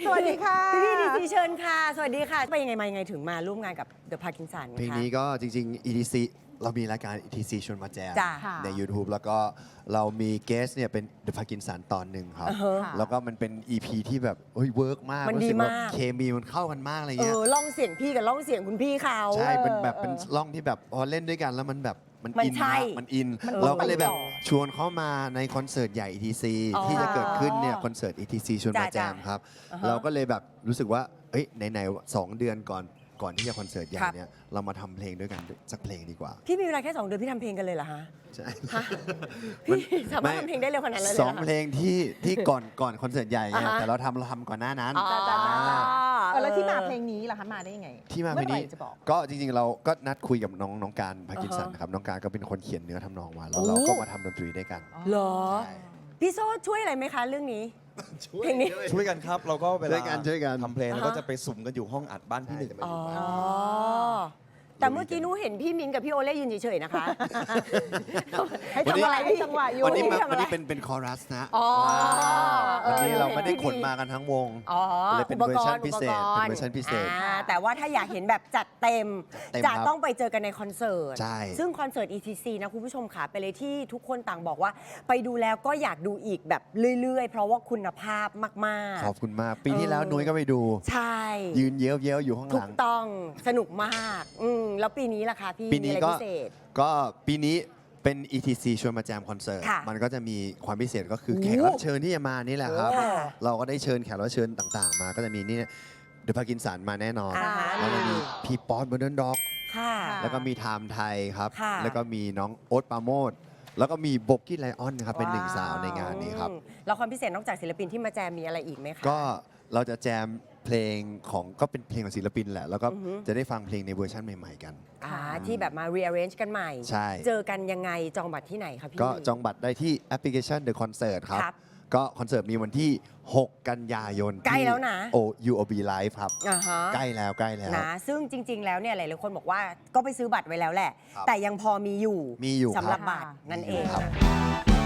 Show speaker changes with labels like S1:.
S1: สวัสดีค่ะ
S2: พี่ดีซีเชิญค่ะสวัสดีค่ะไปยังไงมายังไงถึงมาร่วมงานกับ The Parkinson
S3: เพลงนี้ก็จริงๆ ETC เรามีรายการ ETC ชวนมาแจม
S2: จ้ะ
S3: ใน YouTube แล้วก็เรามีเกสเนี่ยเป็น The Parkinson ตอนหนึ่งครับ
S1: ค่ะ
S3: แล้วก็มันเป็น EP ที่แบบเฮ้ยเวิร์กมาก
S2: มันดี
S3: รู้สึกว่าม
S2: าก
S3: เคมีมันเข้ากันมากอะไรเงี้ย
S2: ล่องเสียงพี่กับล่องเสียงคุณพี่เขา
S3: ใช่เป็นแบบเป็นร่องที่แบบพอเล่นด้วยกันแล้วมันแบบมัน
S2: มัน
S3: อิน
S2: ใช่
S3: มากมันอิน
S1: มัน
S3: เราก็เลยแบบ
S1: ไปต่อ
S3: ชวนเขามาในคอนเสิร์ตใหญ่ ETC
S2: อ๋อ
S3: ที่จะเกิดขึ้นเนี่ยคอนเสิร์ต ETC ชวนมาแจ
S2: จ้ะ
S3: มครับ
S2: อ่าฮะ
S3: เราก็เลยแบบรู้สึกว่าเอ้ยไหนๆ2 เดือนก่อนที่จะคอนเสิร์ตใหญ่
S2: ครับ
S3: เนี่ยเรามาทำเพลงด้วยกันสักเพลงดีกว่า
S2: พี่มีเวลาแค่ 2 เดือนพี่ทำเพลงกันเลยเหรอฮะ
S3: ใช่
S2: ฮะพี่สามารถทำเพลงได้เร็วขนาดนั้นเลย
S3: ส
S2: เหร
S3: อ
S2: อง คะ
S3: เพลงที่ก่อนคอนเสิร์ตใหญ่ไง
S2: อ่าฮะ
S3: แต่เราทำก่อนหน้านั้น
S2: อ๋อ
S1: แล้วที่มาเพลงนี้ล่ะคะมาได้ยังไง
S3: ที่มาเพลงนี้
S1: อไหร่จะบอก
S3: ก็จริงๆเราก็นัดคุยกับน้องการพากินสันนะครับน้องการก็เป็นคนเขียนเนื้อทำนองมาแล้ว
S2: โอ้
S3: เราก็มาทำดนตรีด้วยกัน
S2: เหรอ
S3: ใช่
S2: พี่โซ่ช่วยอะไรไหมคะเรื่องนี้ เพลงนี้
S4: ช่วยกันครับ เราก็เว
S3: ช่
S4: ลา
S3: วยกัน
S4: ทำเพลง
S2: อ่าฮะ
S4: เราก็จะไปสุ่มกันอยู่ห้องอัดบ้านพี่หนึ่ง
S2: อ๋อ แต่เมื่อกี้หนูเห็นพี่มิ้นกับพี่โอเล่ยืนเฉยๆนะคะ
S1: ให้ทำอะไรให้จังหวะอยู่
S3: วันนี้
S2: ทำอะไร
S3: วันนี้เป็นคอรัสนะ
S2: อ๋อ
S3: วันนี้เราไม่ได้
S2: เห็น
S3: ขนมากันทั้งวง
S2: อ๋อ
S3: เลยเป็นเวอร์ชันพิเศษ
S2: อุปกรณ์
S3: เป็นเวอร์ชันพิเศษ
S2: แต่ว่าถ้าอยากเห็นแบบจัดเต็ม
S3: เต็ม
S2: จะ
S3: ครับ
S2: ต้องไปเจอกันในคอนเสิร์ต
S3: ใช่
S2: ซึ่งคอนเสิร์ต ETC นะคุณผู้ชมค่ะไปเลยที่ทุกคนต่างบอกว่า ไปดูแล้วก็อยากดูอีกแบบเรื่อยๆ เพราะว่าคุณภาพมาก
S3: ขอบคุณมาก ปีที่แล้วนุ้ยก็ไปดู
S2: ๆ ใช่
S3: ยืนเย้ยวๆอยู่ข้างห
S2: ถู
S3: ลั
S2: ก
S3: ง
S2: ต้องสนุกมากแล้วปีนี้ล่ะคะพี่
S3: ปีนี้
S2: มีอะไร
S3: ก็
S2: พิเศษ
S3: ก็ปีนี้เป็น ETC ชวนมาแจมคอนเสิร์ต
S2: ค่ะ
S3: มันก็จะมีความพิเศษก็คือ
S2: โอ้
S3: แขกรับเชิญที่จะมานี่แหละครับ
S2: ค่ะ
S3: เราก็ได้เชิญแขกรับเชิญต่างๆ มาก็จะมีนี่เดอะพากินสันมาแน่นอน
S2: อ่าฮะ
S3: แล้วก็มีพี่ป๊อตเบอร์เดนด็อก
S2: ค่ะ
S3: แล้วก็มีไทม์ไทยครับ
S2: ค่ะ
S3: แล้วก็มีน้องโอ๊ตปราโมดแล้วก็มีโบกกี้ไลออนนะครับเป็นหนึ่งสาวในงานนี้ครับ
S2: แล้วความพิเศษนอกจากศิลปินที่มาแจมมีอะไรอีกไหมคะ
S3: ก็เราจะแจมเพลงของก็เป็นเพลงของศิลปินแหละ แล้วก็
S2: อือฮึ
S3: จะได้ฟังเพลงในเวอร์ชันใหม่ๆกัน
S2: ที่แบบมา rearrange กันใหม่
S3: ใช่
S2: เจอกันยังไงจองบัตรที่ไหนคะพี่
S3: ก็จองบัตรได้ที่แอปพลิเคชัน The Concert ครับ
S2: ครับ
S3: ก็คอนเสิร์ตมีวันที่ 6 กันยายน
S2: ใกล้แล้วนะ
S3: UOB Live ครับ
S2: อ่าฮะ
S3: ใกล้แล้ว
S2: นะซึ่งจริง ๆ แล้วเนี่ยหลายๆคนบอกว่าก็ไปซื้อบัตรไว้แล้วแหละ
S3: ครับ
S2: แต่ยังพอมีอยู่
S3: มีอยู่
S2: สำหรับ
S3: ครับ
S2: บัตรนั่นเอง
S3: ครับ
S2: นะคะ